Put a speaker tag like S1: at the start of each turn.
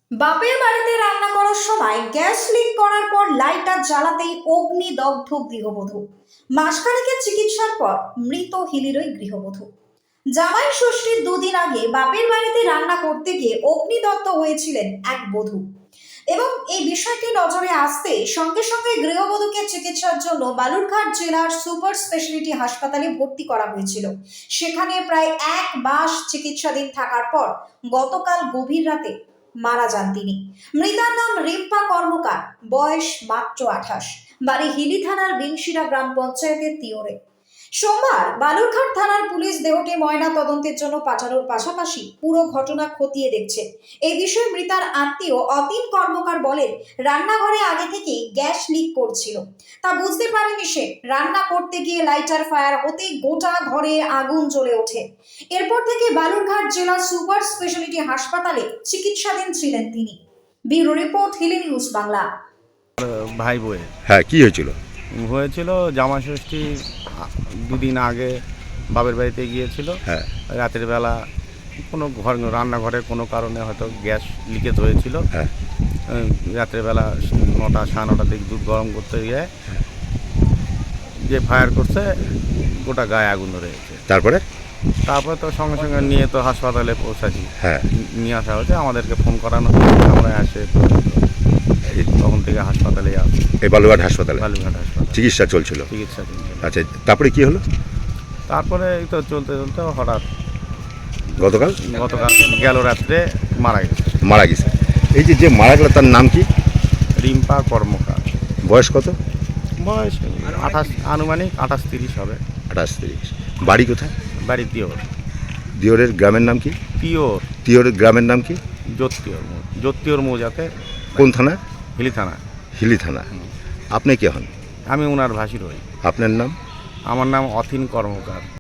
S1: বাপের বাড়িতে রান্না করার সময় গ্যাস লিক করার পর লাইটার জ্বালাতেই অগ্নিদগ্ধ গৃহবধূ। মাসখানেকের চিকিৎসার পর মৃত হিলিরই গৃহবধূ। জামাই ষষ্ঠীর দুদিন আগে বাপের বাড়িতে রান্না করতে গিয়ে অগ্নিদগ্ধ হয়েছিলেন এক বধূ এবং এই বিষয়টি নজরে আসতে সঙ্গে সঙ্গে গৃহবধূকে চিকিৎসার জন্য বালুরঘাট জেলার সুপার স্পেশালিটি হাসপাতালে ভর্তি করা হয়েছিল। সেখানে প্রায় 1 মাস চিকিৎসাধীন থাকার পর গতকাল গভীর রাতে মারা যান তিনি। মৃতার নাম রিম্পা কর্মকার, বয়স মাত্র 28, বাড়ি হিলি থানার বিনশিরা গ্রাম পঞ্চায়েতের তিওরে। সোমবার বালুরঘাট থানার পুলিশ দেহটি ময়না তদন্তের জন্য পাঠানোর পাশাপাশি পুরো ঘটনা খতিয়ে দেখছে। এই বিষয়ে মৃতার আত্মীয় অতীন কর্মকার বলেন, রান্নাঘরে আগে থেকেই গ্যাস লিক করছিল, তা বুঝতে পারেনি সে। রান্না করতে গিয়ে লাইটার ফায়ার হতেই গোটা ঘরে আগুন জ্বলে ওঠে। এরপর থেকে বালুরঘাট জেলা সুপার স্পেশালিটি হাসপাতালে চিকিৎসাধীন ছিলেন তিনি। Bureau report, Hili news Bangla.
S2: ভাই বই
S3: হ্যাঁ, কি
S2: হয়েছিল জামাই ষষ্ঠী দুদিন আগে বাপের বাড়িতে গিয়েছিল।
S3: হ্যাঁ,
S2: রাতের বেলা কোনো রান্নাঘরে কোনো কারণে হয়তো গ্যাস লিকেজ হয়েছিল।
S3: হ্যাঁ,
S2: রাতের বেলা 9টা 9:30 দিকে দুধ গরম করতে গিয়ে যে ফায়ার করছে, গোটা গায়ে আগুন ধরে গেছে।
S3: তারপরে
S2: তো সঙ্গে সঙ্গে নিয়ে তো হাসপাতালে পৌঁছাচ্ছি।
S3: হ্যাঁ,
S2: নিয়ে আসা হয়েছে, আমাদেরকে ফোন করানো হয়েছে, আমরা আসে তখন থেকে হাসপাতালে আসি।
S3: এই বালুরঘাট হাসপাতালে
S2: বালুরঘাট হাসপাতালে
S3: চিকিৎসা চলছিল।
S2: চিকিৎসা চলছিল।
S3: আচ্ছা, তারপরে কি হলো?
S2: তারপরে এই তো চলতে চলতে হঠাৎ
S3: গতকাল
S2: গেল রাত্রে
S3: মারা গেছে। এই যে মারা গেল তার নাম কি?
S2: রিম্পা কর্মকার।
S3: বয়স কত?
S2: বয়স 28, আনুমানিক 28-30 হবে।
S3: 28-30। বাড়ি কোথায়?
S2: বাড়ি তিওর।
S3: দিওরের গ্রামের নাম কি?
S2: তিওর
S3: গ্রামের নাম কি?
S2: জ্যোতিওর মৌজাতে।
S3: কোন থানা?
S2: হিলি থানা।
S3: হিলি থানা। আপনি কে হন?
S2: আমি ওনার ভাসির হই।
S3: আপনার নাম?
S2: আমার নাম অতীন কর্মকার।